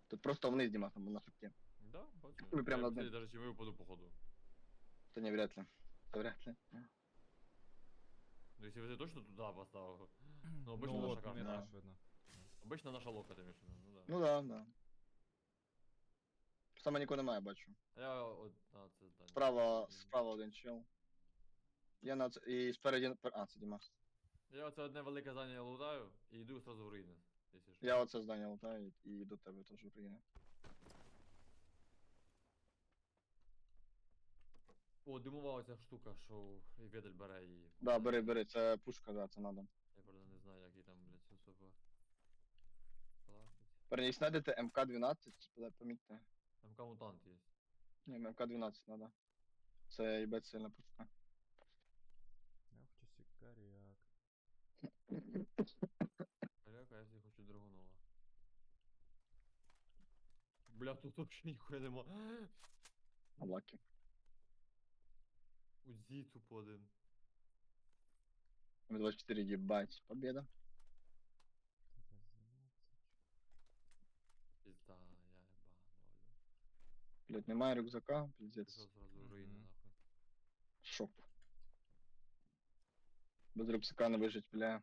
Тут просто вниз, Димас, там на шипке. Да, бачу. Ми прям Я над быстрее ним. даже, чем я упаду, походу. Це не вряд ли. Це вряд ли. Ну, если бы ты точно туда поставил. Ну, обычно Ну наша от, карта. мені Да. теж видно. Обычно наша лока, ты имеешь в виду, ну да. Ну да, да. Саме нікого немає, бачу. Я от, це здання. Справа один чел. Я на це. І спереді. А, це Дімас. Я оце одне велике здання лутаю і йду сразу в руїни, якщо що. Я оце здання лутаю і до тебе теж приїду. О, димова оця штука, що і ведель бере і... Да, бери, це пушка, да, це надо. Я правда не знаю, як її там, блядь, особо класить. Верніше, знайдете МК-12, помітьте. МК мутант є. Ні, МК-12 надо. Це їбать сильна пушка. Я хочу сікаріак. Халяка, я собі хочу драгунова. Бля, тут вообще ніхуя нема. Лаки. Узі тупо один. М24, їбать. Победа. Пізда, я ебану, алю. Блять, немає рюкзака, пиздец. Пішов сразу в руїни, Мгм. нахуй. Шок. Без рюкзака не вижить, бля.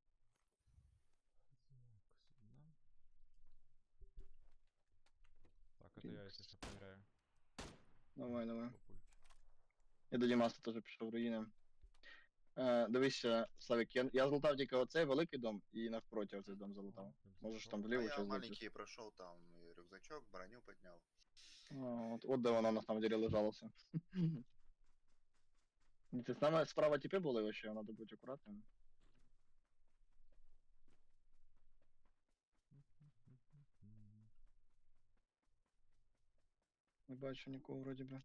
Так, это я, если что, проверяю. Давай. Папульки. Я до Дімаса теж пішов в руїни. Дивися, Славік, я злутав тільки оцей великий дом і навпроти оцей дом залутав. Можеш там А вліво я щось зайти. маленький прошел там и рюкзачок, броню поднял. От де вона на самом деле лежалася. Це саме справа тіпи були вообще, треба бути акуратним. Не бачу нікого вроді би.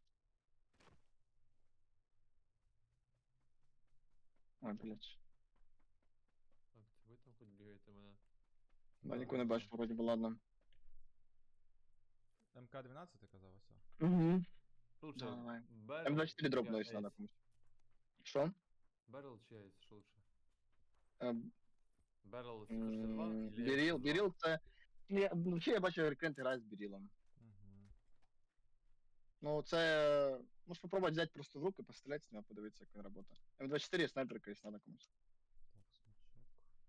Ой, блядь. Так, це ви там хоч бігаєте мене. Да, нікого не бачу, вроді би, ладно. МК-12 ти казав, ось. Угу. Лучше Давай. Берл М24 дропнулись надо комусь. Що? Берл чи Ейс, що лучше? Ем, Берл 162 или Біріл це... Взагалі я бачу, Рекрент грає з Бірілом. Угу. Ну, це... Можеш попробувати взяти просто в руки, постріляти з нього, подивитися, як він працює. М24 снайперка, якщо надо комусь. Так, смачок.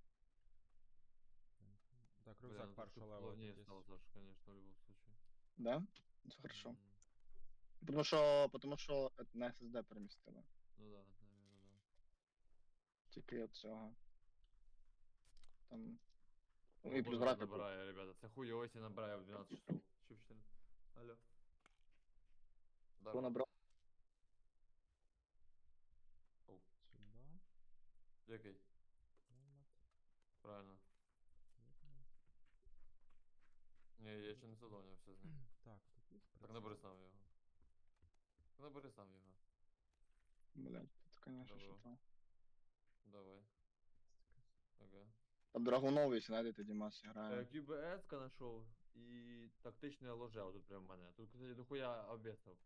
Так, Бля, рюкзак ну першого тут левела плавнее тут стало, есть. Саша, конечно, в любом случае. Да? Це хорошо. М, Потому що на SSD перемістили. Ну да, наверное, да. Тільки от цього. Там... О, Ну і плюс боже, графіку. набирає, ребята. Це хуйово, якщо набирає в 12 часов. Що в 14? Алло. Хто Здорово. набрав? Оу. Сюда. Який? Клімат. Правильно. Клікнем. Ні, я ще не задовольнився з ним. Так, тут є Так набери сам його. Набери сам його. Блять, тут, конечно, Добро. що там. Давай. Ага. Там Драгунов, якщо знайдете, Дімас грає. QBS знайшов і тактичне ложе тут прям в мене. Тут, кстати, дохуя об'єктів.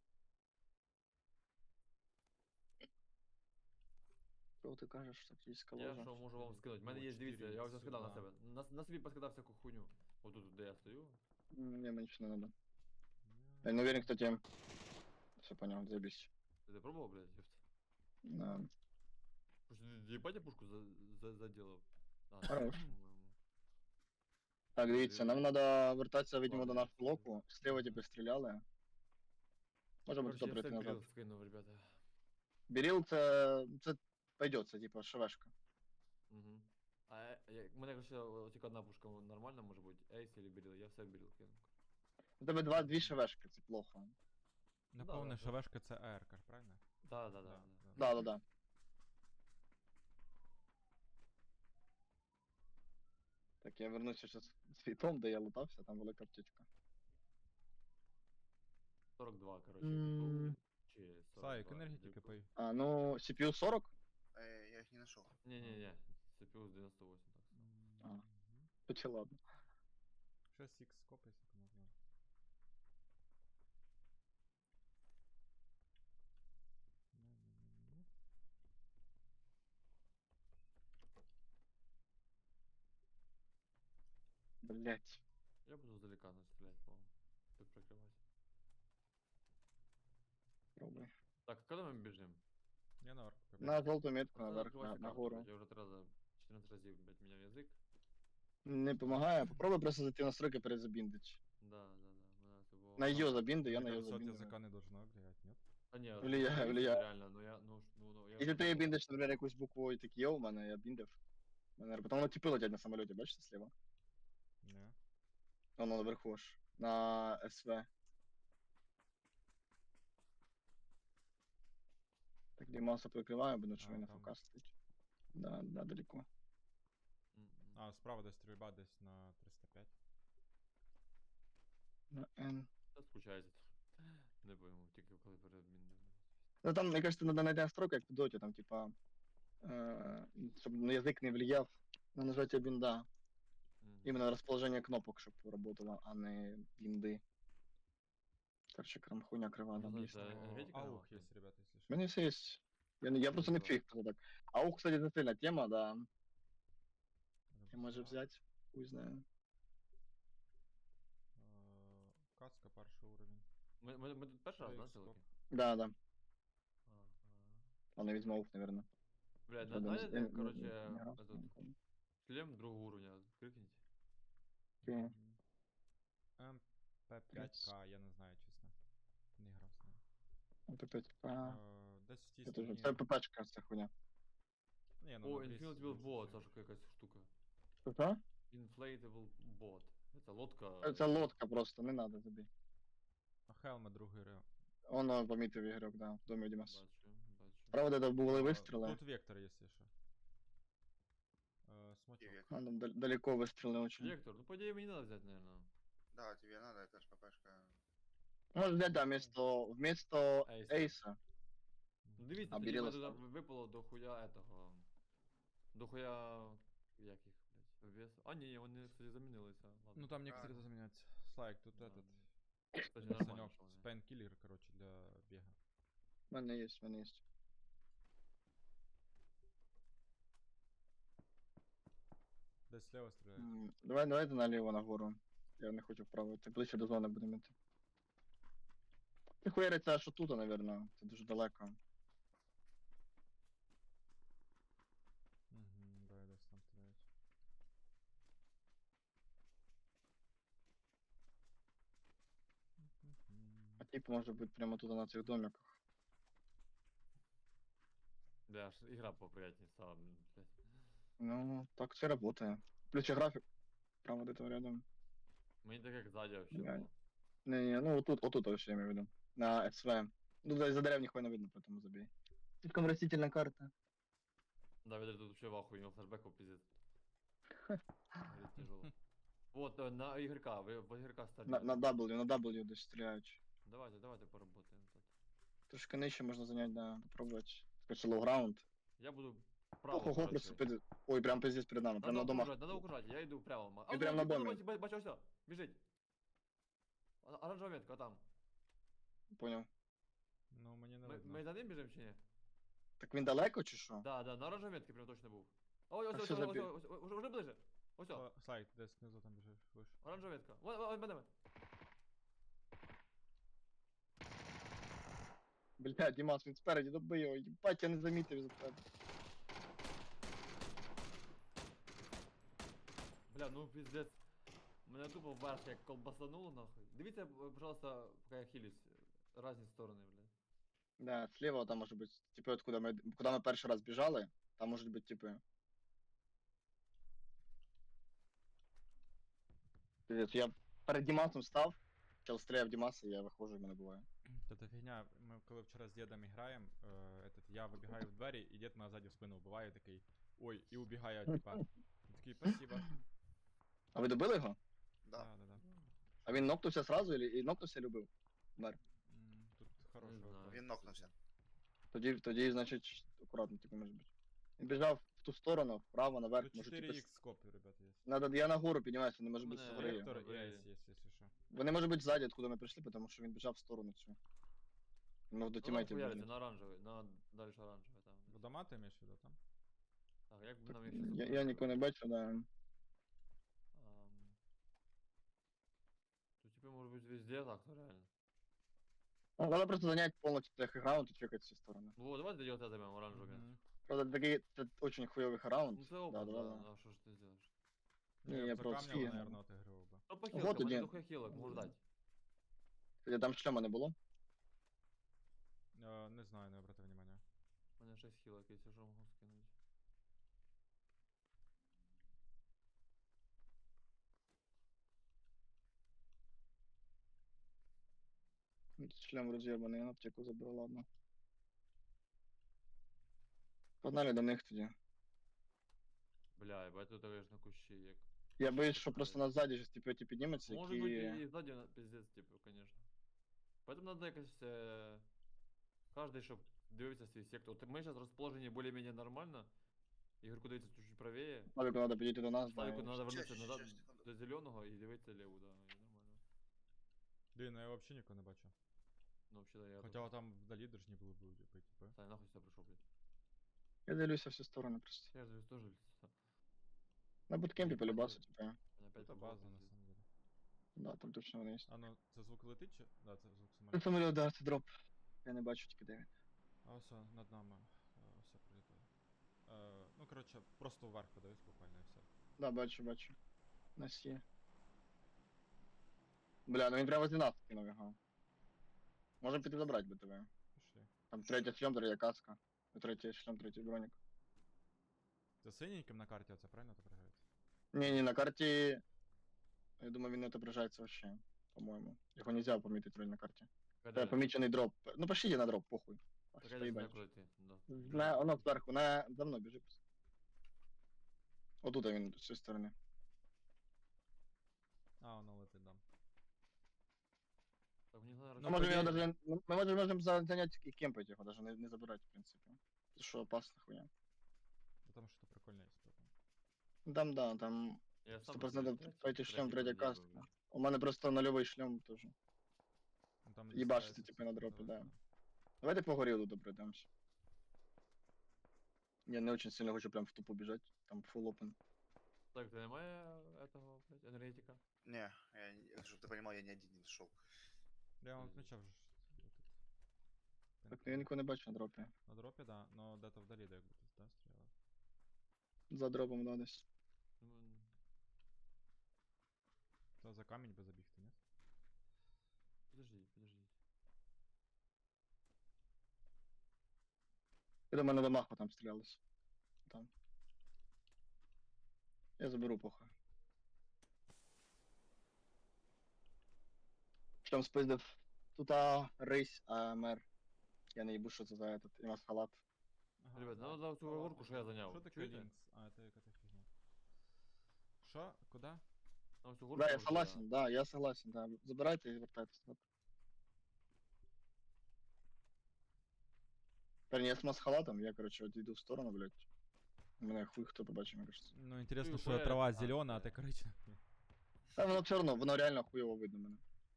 Що ти кажеш, тактична Я ложа? що можу вам скинути. У мене О, є, дивіться, я вже 4 скидав на сюди. себе. На собі поскидав всяку хуйню. Отут, де я стою. Ні, мені нічого не надо. Я- Я не уверен, кстати. Все понял, заебись. Ти пробував, блядь, ёпт? Да. Слушай, ты ебать я пушку заделав? А, Хорош. по-моєму. Так, дивіться, нам треба вертатися, видимо, до Ладно, нашого я блоку. Слева Мгм. типу стріляли. Можемо Короче, туди я прийти все назад. грил скинув, ребята. Біріл це пойдет, це типу швешка. Угу. У мене, короче, тільки одна пушка нормальна може бути. Ейс или Беріл, я все Беріл кинув. У тебе дві швешки, це плохо. Напевне, да, шавешка це АРК, правильно? Да. Да. Так, я вернуся зараз світом, де я лутався, там велика птичка. 42, короче. М. Чи 42. Саїк, енергетики дякую. пий. А, ну, CPU 40? Я их не нашел. Не-не-не, CPU з 98, так само. А. Мгм. Чи ладно. Щось X скопайся, кому можна. Ну. Блять. Я буду издалека стрелять, по-моему. Тут прикрывать. Пробуй. Так, а когда мы бежим? Я на орк. На жовту метку Пацаны, наверх, открывайте на карту, гору. блядь. Я уже 3 раза, 14 разів, блядь, меня язык. Не помагає. Попробуй просто зайти в настройки перезабіндить. Да. Мене це було. На Там- ее забинды, я Мне на ее кажется, от забинду. языка не должно влиять, нет? А ні, Влияє, ну, влияє. реально, ну я, я... Якщо ти біндиш, наприклад, якусь букву і так є у мене, я біндив. Потім воно типи летять на самоліті, бачите, слева? Не. Воно наверху ж. На СВ. Так, Дімаса прикриваю, бо що А, він на там. ФК стоїть. Да, далеко. А, справа десь стрільба десь на 305. На Н. Та скучається. Не пойму, тільки коли перед міною. Ну там, мені кажется, надо знайти настройку, як в доті, там, типа, щоб на язик не влияв на нажаття бінда. Именно расположение кнопок, чтобы работало, а не бинды. Короче, хуйня крива Ну, там знаешь, есть. да. Энергетика Аух нема? есть, ребята, если У что. меня все есть. Я просто не Хорошо. фиг просто так. Аух, кстати, это сильная тема, да. Я Рюкзак. може взять, хуй знаю. Кацка, перший уровень. Ми тут перший раз, да, Рейкс, селки? Да, да. Ага. Ладно, візьму аух, наверное. Блядь, Я думаю, знаєте, не короче, грав, этот, шлем другого уровня, крикните. Окей. МП5К, я не знаю, чесно. Не грав з ним. ПП. Десь в тій Це теж, стороні. це ППшка, це хуйня. Ні, О, на Infinite бріз- Wheel бріз Bot, це. Саша, якась штука. Що? Inflatable Bot. Це лодка. Це лодка просто, не надо тобі. А Хелме другий ре. Воно помітив ігрок, да, в домі у Дімас. Бачу. Правда, де були А, вистріли. Тут вектор, якщо що. Смочок. Тебе. А, там далеко вистріли очень. Вектор, ну по идее мне не надо взять, наверное. Да, тебе надо, это ж ППшка. Може взяти, да, вместо Ейса. Ейса. Ну дивіться, А тоді Біріла мене туди ставить. випало до хуя этого. До хуя. Як їх, блядь, вес. А ні, вони, кстати, замінилися. Ладно. Ну там некоторые Правильно. заменяются. Слайк, тут Да, этот. Кстати, нормально, Санек, що вони. спайнкиллер, короче, для бега. В мене є, Десь слева стреляют. Давайте наліво нагору. Я не хочу вправо йти. Ближче до зони будемо йти. Ти хуяриться аж отут, напевно. Це дуже далеко. Угу, да, десь там стреляют. А тип може бути прямо тут на цих домиках. Бля, аж ігра поприятнее стала, блядь. Ну, так все працює. Включи графік. Прямо де рядом. Мені так як ззаді вообще Блядь. було. Не, ну отут вообще я имею в виду. На СВ. Ну, за дерев ніхуя не видно, поэтому забей. Слишком растительная карта. Да, Ведер тут вообще в ахуе, у него флешбеков пиздец. Говорит, тяжело. Вот, на игрока, вы в игрока стартуете. На W десь стріляють. Давайте поработаем тут. Трошки нижче можна зайняти, да, попробувати. Скажи лоу граунд. Я буду право Ого, окружать просто всех. Ой, прям пиздец перед нами, прям Надо на домах. окружать, надо окружать, я иду прямо. Він прям на домі. Бачу, все, бежить. Оранжевая метка, там. Поняв. Ну, мені не Ми видно. за ним біжимо чи ні? Так він далеко чи що? Да, на оранжевій метці прям точно був. Ой, А ось, що за бі- уже ближе. Ось, Слайк, десь внизу там біжиш, виш. оранжева метка. Вон, мене. Блядь, Дімас, він спереді доби його, їбать, я не замітив за тебе. Бля, ну пиздец. Мене тупо вверх як колбасануло нахуй. Дивіться, пожалуйста, поки я хилюсь. Разні сторони, блядь. Да, слева там може бути, типу, от куди ми перший раз біжали, там можуть бути типи. Пиздец, я перед Дімасом став, чел стріляв Дімаса, я виходжу, і мене буває. Та фігня, ми коли вчора з дідом граємо, я вибігаю в двері, і дід мене ззаді в спину вбиває, такий, ой, і убігає, типа. Він такий, спасибо. А ви добили його? Да. Да. А він нокнувся сразу, і нокнувся і любив? Мер. Тут хороший знаю. вопрос. Він нокнувся. Тоді, значить, акуратно типу може бути. Він біжав в ту сторону, вправо, наверх, Тут може типу. 4х скопів, ребята, є. Надо, я нагору піднімаюся, не може бути Мене згори. Вектор і добре. айс є, якщо що. Вони може бути ззаді, откуда ми прийшли, тому що він біжав в сторону цю. Він мог до Ну, тімейтів хуяриться, бігнути. на оранжевий, на дальше оранжевий там. Водома ти маєш в виду там? Так, як би Так, нам їх щас я нікого не бачу, да. Ам, везде так, ну реально. Ну, надо просто занять полностью техраунд и чекать все стороны. Ну вот, давай дойдем это займем, оранжевый. Мгм. Правда, такие, это очень хуёвый раунд. Ну це опыт, Да, да, да, да. а что ж ты сделаешь? Ну, Не, я я б за просто камнями, скинул. наверное, отыгрывал бы. Ну по Вот хилкам, один. мене дохуя хілок, можу дати. Кстати, там шлема не було. Не знаю, не обратив внимания. У мене 6 хілок, якщо що можу скинути. Шлем роз'єбаний, я на аптеку забрав, ладно. Погнали до них тоді. Бля, ебать, тут конечно кущі, як. Я боюсь, Що що це просто навіть? нас ззаді щось типу підніметься, Може бути які... і ззаді пиздец, типу, конечно. Поэтому надо якось, каждый, щоб дивився свій сектор. От ми зараз розположені більш-менш нормально. Ігорку дивиться чуть-чуть правее. Славіку треба підійти до нас, да, Славіку і... треба вернутися Щас, назад щас, секунду. до зеленого і дивитися ліву, да, і нормально. Блін, ну я вообще нікого не бачу. Ну, вообще, да, я Хоча там вдалі должні були б люди типу. Сань, нахуй сюди прийшов, блядь. Я дивлюся всі сторони просто. Я ж дивлюсь теж. На буткемпі Ні, полюбався, бачу. типу. Мене опять Це попав база, на пиздец. самом деле. Да, там точно вони є. А ну, це звук летить чи? Да, це звук Це самоліту. самоліт, да, це дроп. Я не бачу тільки де він. А все, над нами. Все прилітає. Ну, коротше, просто вверх подивись буквально і все. Да, бачу, бачу. Нас є. Бля, ну він прямо з нас кинув його. Можемо піти забрати БТВ. Пішли. Там третій шлем, третя каска. Третій шлем, третій бронік. За синеньким на карті оце правильно отображається? Не, на карте, я думаю, він не отображается вообще, по-моему. Його нельзя помітити роль на карте. Каде? Помічений дроп. Ну пошлите на дроп, похуй. Так Що я не знаю, їбать. куди йти. Да. На, воно зверху, за мною біжи просто. Отут він, з цієї сторони. А, воно летить, да. Так, мені треба Ну, Ми можемо його тоді- даже, ми можемо зайняти і кемпити його, даже не забирати, в принципі. Це що опасно хуя. Бо там щось прикольне є. потім. Там, да, там Я сам 100% просто третій шлем, третя подъезжаю, каска. блядь. У мене просто нульовий шлем теж. Ну, там Їбашиться, листається типу, на все, дропі, да. називається. Давайте по горілу добредемось. Я не очень сильно хочу прям в тупо бежать, там full open. Так, ти немає этого, блядь, енергетика? Не, чтобы ты понимал, я не один не шел. Я вам Мгм. відмічав вже. Так, ну я нікого не бачу на дропі. На дропі, да, но де-то вдалі, де якби тут, да, стріляли. За дропом, да, десь. Ну, Та за камінь би забігти, ні? подожди, подожди. Я до мене до маху там стрілялись. Там. Я заберу похуй. Шлем спиздив. Тута рись АМР. Я не їбу, що це за этот. І нас халат. Ага, Ребят, да. ну за цю горку, що я зайняв. Що таке Чуєте? лінкс? А, це яка та фігня. Що? Куди? На цю горку. Да, я от согласен, да, я согласен, да. Забирайте і вертайтесь. назад. Парень, я с халатом, я, короче, от йду в сторону, блядь. Мене хуй хто побачив, мені кажется. Ну, інтересно, Ти що хуяриш, трава а, зелена, а це- ти коричнева. Та воно все одно, воно реально хуйово видно мене.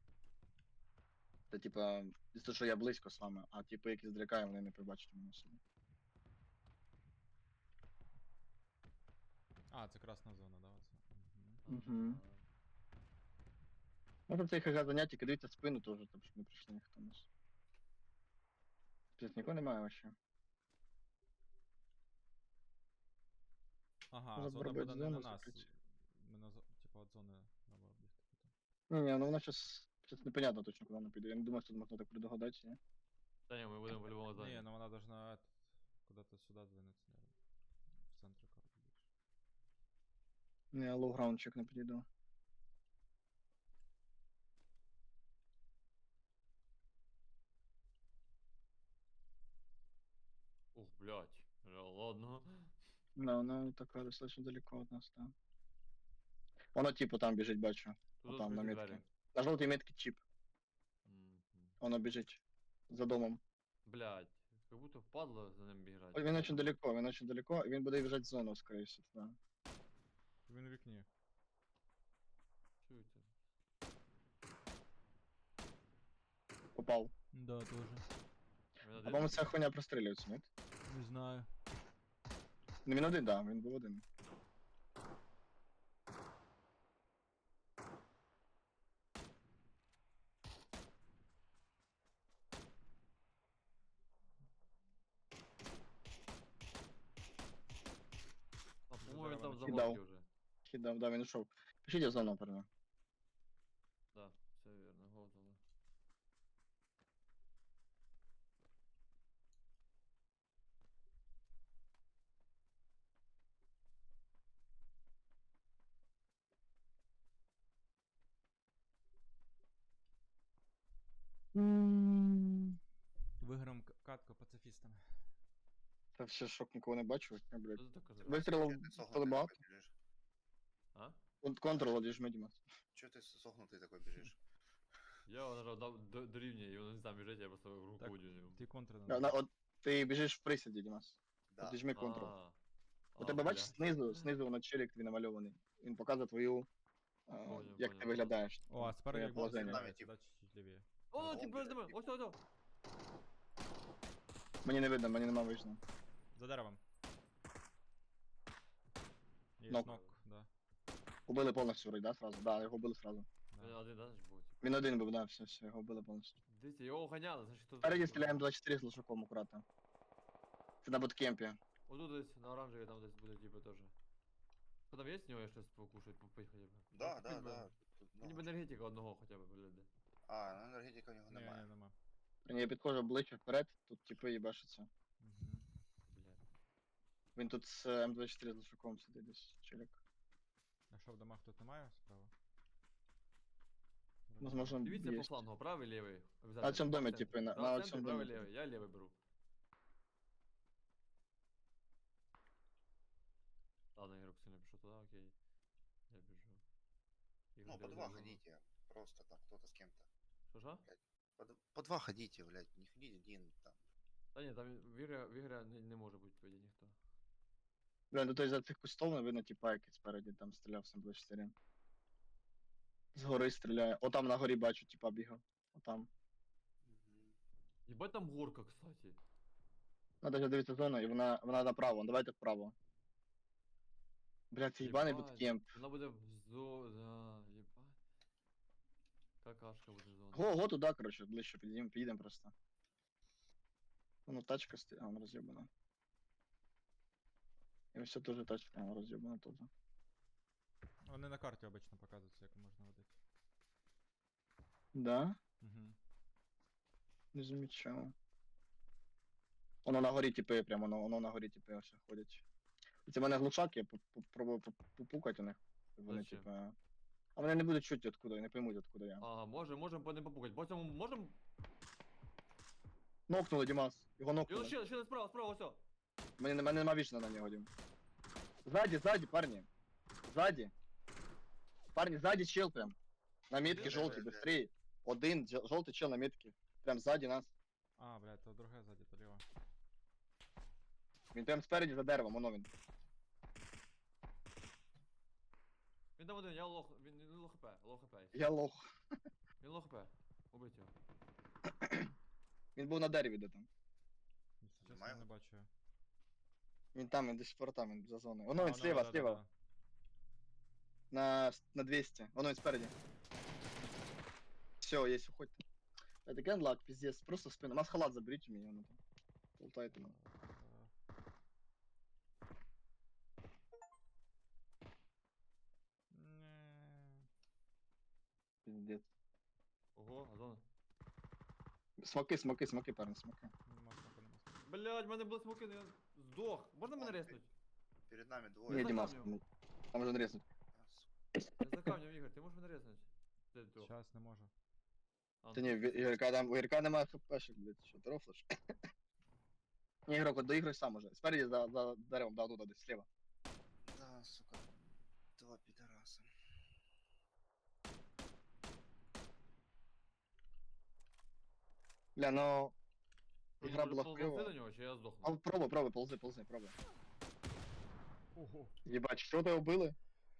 Це типа, з того, що я близько з вами, а типу, які здрикає, вони не побачать мене собі. А, це красна зона, да, оце. Мгм. Мгм. Можна цей ХГ заняття, тільки дивіться спину теж, там, щоб не прийшли ніхто нас. Тут нікого немає вообще. Ага, Можна зона пробити буде не на зону нас. закрити. Ми на типу, от зони треба бігти потім. Ні, ну вона щас непонятно точно, куди вона піде. Я не думаю, що тут можна так предугадати, ні? Та ні, ми будемо по-любому Не, зайняти. ну вона должна куда-то сюда двинуться, наверное. В центр карты більше. Не, я лоу-граундчик не підійду. Ух, блядь. Ладно. Да, вона така достатньо далеко від нас, да. Воно типу там біжить, бачу. Тут Отам, на відкриті метці. двері. На жовтій метці чіп. Мгм. Воно біжить. За домом. Блядь. Как будто впадло за ним бігати. Ой, він очень далеко, і він буде біжать в зону, скоріше всього. Да. Він у вікні. Чуєте? Попав. Да, тоже. Він А один? по-моєму, ця хуйня прострілюється, ні? Не знаю. Ну він один, да, він був один. він там вони за Кидав. горки вже. Хідав, да, він ушов. Пишіть в зону, парня. Да, все вірно, готово. Виграємо катку пацифістами. Та все, шок, нікого не бачу. Я, блядь. Що ти так кажеш? Вистрілив Чё ты сохнутый полебат. такой бежишь? А? Контрол одіжми, Дімас. Чё ты сохнутый такой бежишь? Я нажав до рівня, і воно не там біжить, я просто руку Так. уділив. Ти контр От ти біжиш в присіді, Дімас. Да. Одіжми контрол. У А, тебе бачиш блядь. знизу воно челік твій намальований. Він показує твою, як ти понял. виглядаєш. О, а спереді твоє як бот положення. з'являється, да, чуть-чуть лівіє. О, О, ти блядь, перед ось, ось, ось. Мені не видно, мені нема вижно. За деревом. Є Нок. нок, да. Убили повністю вроді, да, сразу? Да, його вбили сразу. Да. Один, да, значить, був, типу. Він один був, да, все, його вбили повністю. Дивіться, його ганяли, значить, хто... Спереді стріляємо 24 з лошаком акуратно. Це на боткемпі. Отут десь, на оранжевій, там десь буде, типу, теж. Що там є з нього щось покушать, попить хоча б? Да, да, Купить би. да. Тут Мені б много. енергетика одного хоча б, блядь. А, ну енергетика у нього Ні, немає. ні, нема. Я підходжу обличчя вперед, тут типи їбашаться. Мгм. Блядь. Він тут з М24 з лошаком сидить десь, челік. А що в домах тут немає справа? Возможно, Дивіться по є. флангу, правий, лівий. На цьому домі, типу, типи, на центрі, цьому правий, домі. лівий, я лівий беру. Ладно, Ігорок сильно пішов туди, окей. Я біжу. Ігор, Ну, де по два зону? ходите. Просто там кто-то с кем-то. Що? По два ходите, блядь. Не ходите один там. Та ні, там в ігрі не може бути тоді ніхто. Бля, ну то за цих кустов не видно типа, який спереді там стріляв з М24. Згори стріляє. Отам на горі бачу, типа бігав. Отам. Єбать там горка, кстати. Надо ж дивитися зону, і вона направо. Давайте вправо. Бля, це їбаний Єбать, буткемп. Вона буде в да, єбать. Какашка буде зона. Го туди, короче, ближче підійдемо просто. Воно тачка стоїть, а вона роз'єбана. І ось це теж тачка, а вона роз'єбана теж. Вони на карті обично показуються, як можна водити. Да? Угу. Не замічав. Воно на горі типи, прямо воно на горі типи ось ходять. І це в мене глушак, я попробую попукати у них. Вони Зачем? типа. А вони не будуть чути откуда, і не поймуть откуда я. Ага, можем по ним попукать. По цьому можем? Нокнули, Дімас. Його І нокнули. он ще справа, все. Мене нема вічно на нього, Дім. Ззаді, парні. Ззаді. Парні, ззаді чел прям. На метке Де? жовтий, Де? быстрее. Один жовтий чел на метке. Прям ззаді нас. А, блядь, то друге ззаді, то ліво. Він прям спереді за деревом, воно він. Він там один, я лох, він лох хп, Я лох. Він лох хп. Убить його. Він був на дереві де там. Якщо чесно, Немає? не бачу. Він там, він десь форта, він за зоною. Воно А, він ну, сліва, да, да, сліва. да. На 200. Воно він спереді. Все, есть, уходьте. Это генлак, пиздец. Просто в спину. Масхалат заберите меня, оно там. Болтает там. Не. Пиздец. Ого, а зона. Смоки, парни, смоки. Нема смаку, нема смаку. Блять, в мене були смоки, я здох. Можна мене Ладно, резнуть? Перед нами двое. Не, за Димас, камнем. там можно резнуть. Я за камнем, Ігор, ти можеш мене резнуть? Де ти? Щас не можу. А, Та ну, не, у Игорька нема хпшек, блядь, что, ты рофлишь? Не, игрок, вот доиграй сам уже. Спереди за деревом, да, туда, слева. Да, сука. Два пидораса. Бля, ну... ти Игра може была ползти до хуёва. нього, чи я здохну? А, пробуй, ползи, пробуй. Ого. Ебать, что ты убили?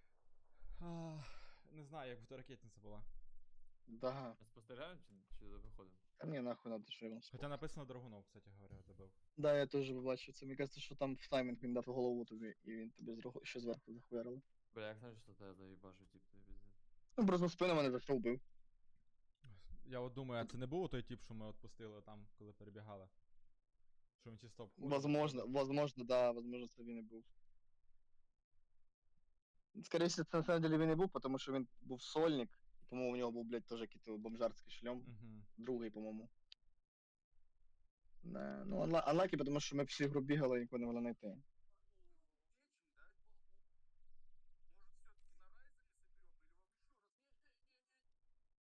Не знаю, як то ракетниця була. Да. Ми спостерігаємо чи виходимо? Да мне нахуй надо, что я вам Хоча написано Драгунов, кстати говоря, добив. Да, я теж бачив це. Мені кажется, що там в таймінг він дав голову тобі, і він тобі ще зверху захуярили. Бля, як знаєш, що тебе заїбашу, тип, ти пиздец. Ну, просто в спину мене зайшов бив. Я от думаю, а це не був той тип, що ми відпустили там, коли перебігали? Що він чисто обходив? Возможно, да, возможно, це він і був. Скоріше, це на самом деле він і був, тому що він був сольник. По-моєму, у нього був, блядь, теж якийсь бомжарський шльом. Угу. Другий, по-моєму. Да. Ну, анлакі, тому що ми всі гру бігали і нікого не могли знайти.